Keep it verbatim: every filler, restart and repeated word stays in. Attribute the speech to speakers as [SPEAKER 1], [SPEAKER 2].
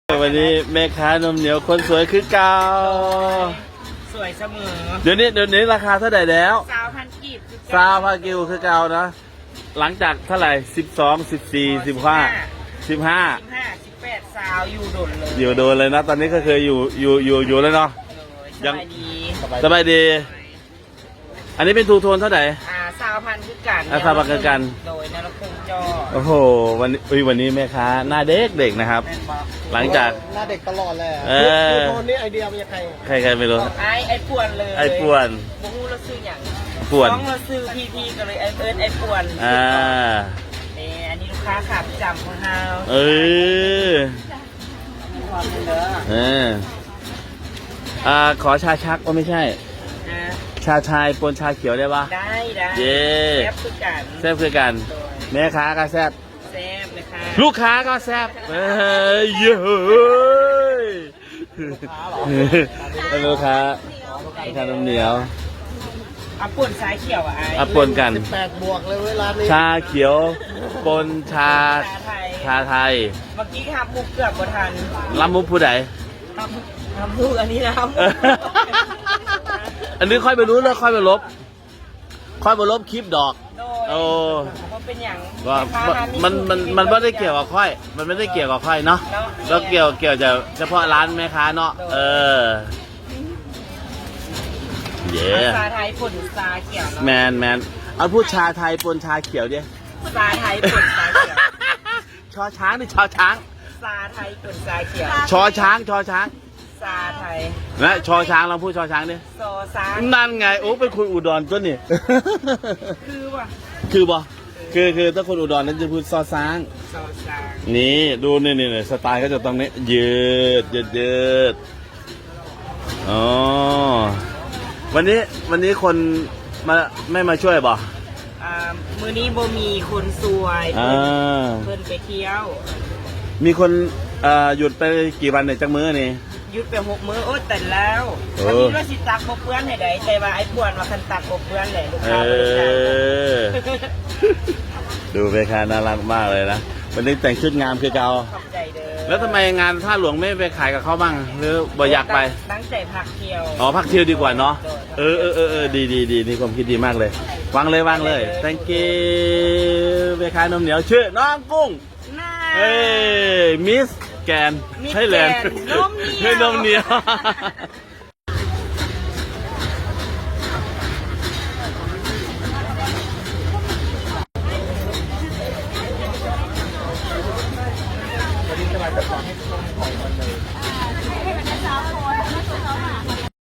[SPEAKER 1] วันนี้แม่ค้านมเหนียวคนสวยคือเก่า
[SPEAKER 2] สวยเสมอ
[SPEAKER 1] เดี๋ยวนี้เดี๋ยวนี้ราคาเท่าไหร่แล้ว
[SPEAKER 2] สาวพันกีบ
[SPEAKER 1] สาวพันกิวคือเก่านะหลังจากเท่าไหร่สิบสองสิบสี่สิบห้าสิบห้า
[SPEAKER 2] สิบห้าสิบแปดสาวอยู่โดนเลย
[SPEAKER 1] อยู่โดนเลยนะตอนนี้ก็เคยอยู่อยู่อยู่อยู่แล้วเนาะ
[SPEAKER 2] ยังดี
[SPEAKER 1] สบายดีอันนี้เป็นทูโทนเท่าไหร่
[SPEAKER 2] อ่าสาวพันคือกัน
[SPEAKER 1] สาวพันคือกัน
[SPEAKER 2] โดยนรกงจอ
[SPEAKER 1] โอ้โหวันนี้วันนี้แม่ค้าหน้าเด็กเด็กนะครับหลังจาก
[SPEAKER 3] หน้าเด็กตลอดเลยทูโทนนี่ไอเดียมันยังไง
[SPEAKER 1] ใครใครไม่รู้
[SPEAKER 2] ไอไอป่วนเลย
[SPEAKER 1] ไอป่วน
[SPEAKER 2] บุ้งเราซื้ออย่าง
[SPEAKER 1] ป่วน
[SPEAKER 2] ต้องเราซื้อพีพีกันเลยไอเอิร์ธไอป่วน
[SPEAKER 1] อ่า
[SPEAKER 2] นี่อันนี้ลูกค้าขาประจำของเรา
[SPEAKER 1] เออเอออ่าขอชาชักก็ไม่ใช่ชาชายปนชาเขียวได้ปะ
[SPEAKER 2] ได้ได้
[SPEAKER 1] เย้
[SPEAKER 2] แซ่บคือกัน
[SPEAKER 1] แซ่บคือกันแม่ค้าก็แซ่บ
[SPEAKER 2] แซ่บเลยค่ะ
[SPEAKER 1] ลูกค้าก็แซ่บเฮ้ยเย้ยลูกค้าลูกค้านมเหนียว
[SPEAKER 2] อ่ะป่นชาเขียวอ่ะ
[SPEAKER 1] อ่ะปนกัน
[SPEAKER 3] แปดบวกเลยเวลานี้
[SPEAKER 1] ชาเขียวปนชาชาไทย
[SPEAKER 2] เมื่อกี้ทำมุกเกือบบ่ทัน
[SPEAKER 1] ลำมุกผู้ใด
[SPEAKER 2] ทำทำมุกอันนี้นะ
[SPEAKER 1] อันนี้ค่อยไปรู้แล้วค่อยไปลบค่อยไปลบคลิปดอกโอ้
[SPEAKER 2] เป็นอย่าง
[SPEAKER 1] ว่ามันมันมันไม่ได้เกี่ยวกับค่อยมันไม่ได้เกี่ยวกับค่อยเนาะแล้วเกี่ยวเกี่ยวจะเฉพาะร้านแม่ค้าเนาะเออเย่
[SPEAKER 2] ชาไทยปนชาเขียว
[SPEAKER 1] แมนแมนเอาพูดชาไทยปนชาเขียวดิ
[SPEAKER 2] ชาไทยปนชาเขียว
[SPEAKER 1] ชอช้างนี่ชอช้าง
[SPEAKER 2] ชาไทยปนชาเขียว
[SPEAKER 1] ชอช้างชอช้าง
[SPEAKER 2] ชาไทย
[SPEAKER 1] และชอช้างเราพูดชอช้างดิ
[SPEAKER 2] ชอช้าง
[SPEAKER 1] นั่นไงโอ้เป็นคนอุดรตัวนี่
[SPEAKER 2] คือว่ะ
[SPEAKER 1] คือบ่คือคือถ้าคนอุดรนั้นจะพูดซอช้าง
[SPEAKER 2] ชอช้าง
[SPEAKER 1] นี่ดูนี่นี่สไตล์ก็จะตรงนี้ยืดยืดยืดอ๋อวันนี้วันนี้คนมาไม่มาช่วยบ่
[SPEAKER 2] อ่ามือนี้โบมีคนสวยเพิ่นไปเที่ยว
[SPEAKER 1] มีคนหยุดไปกี่วันเนี่ยจักมื้อนี่
[SPEAKER 2] หยุดไปหกมื้อโอ้แต่แล้ววันนี้เราสิตักโบเปื้อนให้ได้แต่ว่าไอ้ปวนว่าคันตักโบเปื้อนแหละลูกค้าเลยใช่
[SPEAKER 1] ดูไปค่ะน่ารักมากเลยนะวันนี้แต่งชุดงามคือเก่า
[SPEAKER 2] ขอบใจเด้อ
[SPEAKER 1] แล้วทำไมงานท่าหลวงไม่ไปขายกับเขาบ้างหรือบ่อยากไป
[SPEAKER 2] ตั้งใจพักเที่ยว
[SPEAKER 1] อ๋อพักเที่ยวดีกว่าเนาะเออเออเออเออดีดีดีนี่ความคิดดีมากเลยวางเลยวางเลย thank you ไปขายนมเหนียวชื่อน้องกุ้งเฮ้ยมิสแกนให้แลนด์
[SPEAKER 2] นมเหนียว
[SPEAKER 1] นมเหนียว